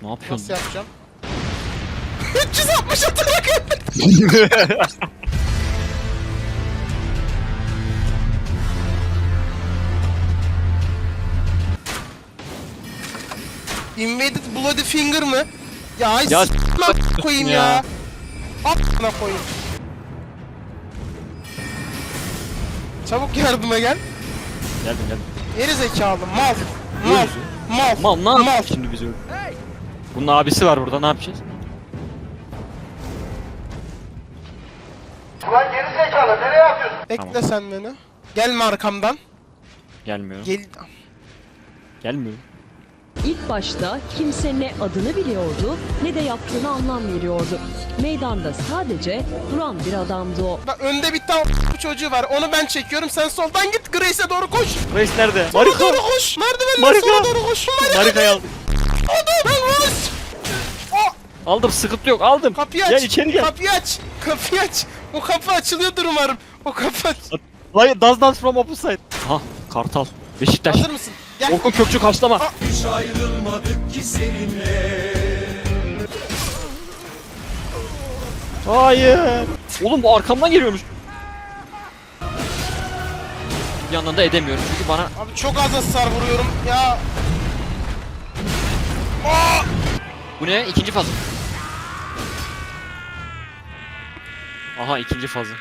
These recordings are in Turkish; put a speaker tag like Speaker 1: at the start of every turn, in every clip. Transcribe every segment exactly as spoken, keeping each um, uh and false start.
Speaker 1: Ne yapıyorsun?
Speaker 2: Nasıl yapacağım? üç yüz altmış atarak Invaded Bloody Finger mı? Ya ay
Speaker 1: Ya
Speaker 2: s***lan koyayım ya.
Speaker 1: ya.
Speaker 2: A***na koyayım. Çabuk yardıma gel.
Speaker 1: Geldim geldim.
Speaker 2: Geri zekalı mal. Mal. Mal.
Speaker 1: Mal ne
Speaker 2: Mal.
Speaker 1: yapacağız şimdi biz öyle? Bunun abisi var burada, ne yapacağız?
Speaker 3: Ulan geri zekalı nereye atıyorsun?
Speaker 2: Bekle
Speaker 1: Tamam.
Speaker 2: sen beni. Gelme arkamdan.
Speaker 1: Gelmiyor.
Speaker 2: Gel.
Speaker 1: Gelmiyor.
Speaker 4: İlk başta kimse ne adını biliyordu ne de yaptığını anlam veriyordu. Meydanda sadece duran bir adamdı o.
Speaker 2: Bak önde bir tane bu çocuğu var. Onu ben çekiyorum. Sen soldan git. Grace'e doğru koş.
Speaker 1: Reis nerede?
Speaker 2: Sola
Speaker 1: Marika!
Speaker 2: doğru koş. Merdivenle
Speaker 1: Marika!
Speaker 2: sola doğru koş.
Speaker 1: Marika'yı aldım.
Speaker 2: Lan koş. O
Speaker 1: Aldım, sıkıntı yok, aldım.
Speaker 2: kapıyı aç.
Speaker 1: Gel içeri gel.
Speaker 2: Kapıyı aç. Kapıyı aç. O kapı açılıyordur umarım. O kapı aç.
Speaker 1: Like, does not from opposite. Ha, Kartal. Beşiktaş.
Speaker 2: Hazır mısın? Gel.
Speaker 1: Orkun Kökçü kaçlama.
Speaker 2: Aa.
Speaker 5: Hiç ayrılmadık ki seninle.
Speaker 1: Hayır. Oğlum bu arkamdan geliyormuş. Bir yandan da edemiyorum çünkü bana...
Speaker 2: Abi çok az hasar vuruyorum. Ya.
Speaker 1: Bu ne? İkinci fazı. Aha, ikinci fazı.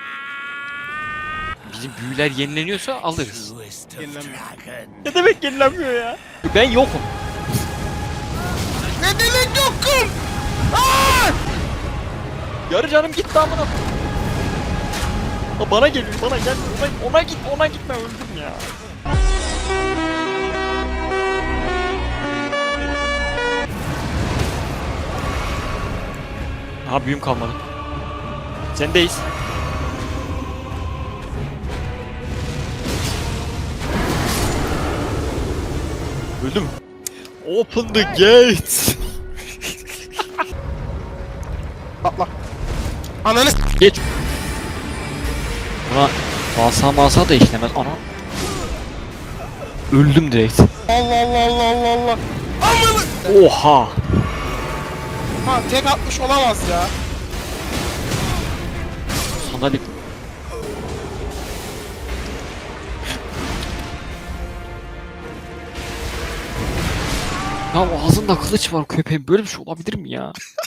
Speaker 1: Bizim büyüler yenileniyorsa alırız.
Speaker 2: Yenilenmiyor.
Speaker 1: Ne demek yenilenmiyor ya? Ben yokum.
Speaker 2: Ne demek yokum? Aa!
Speaker 1: Yarı canım gitti amına. Ha, bana geliyor, bana gel. Ona, ona git, ona gitme, öldüm ya. Ha, büyüm kalmadı. Sendeyiz. Öldüm. Open the gates.
Speaker 2: Atla. Ananı s-
Speaker 1: Geç. Buna masa masa da işlemez. Ana. Öldüm direkt.
Speaker 2: Allah Allah Allah Allah Allah. Amanı.
Speaker 1: Oha.
Speaker 2: Ha tek atmış olamaz ya.
Speaker 1: Sandalye. Ya ağzında kılıç var köpeğin, böyle bir şey olabilir mi ya?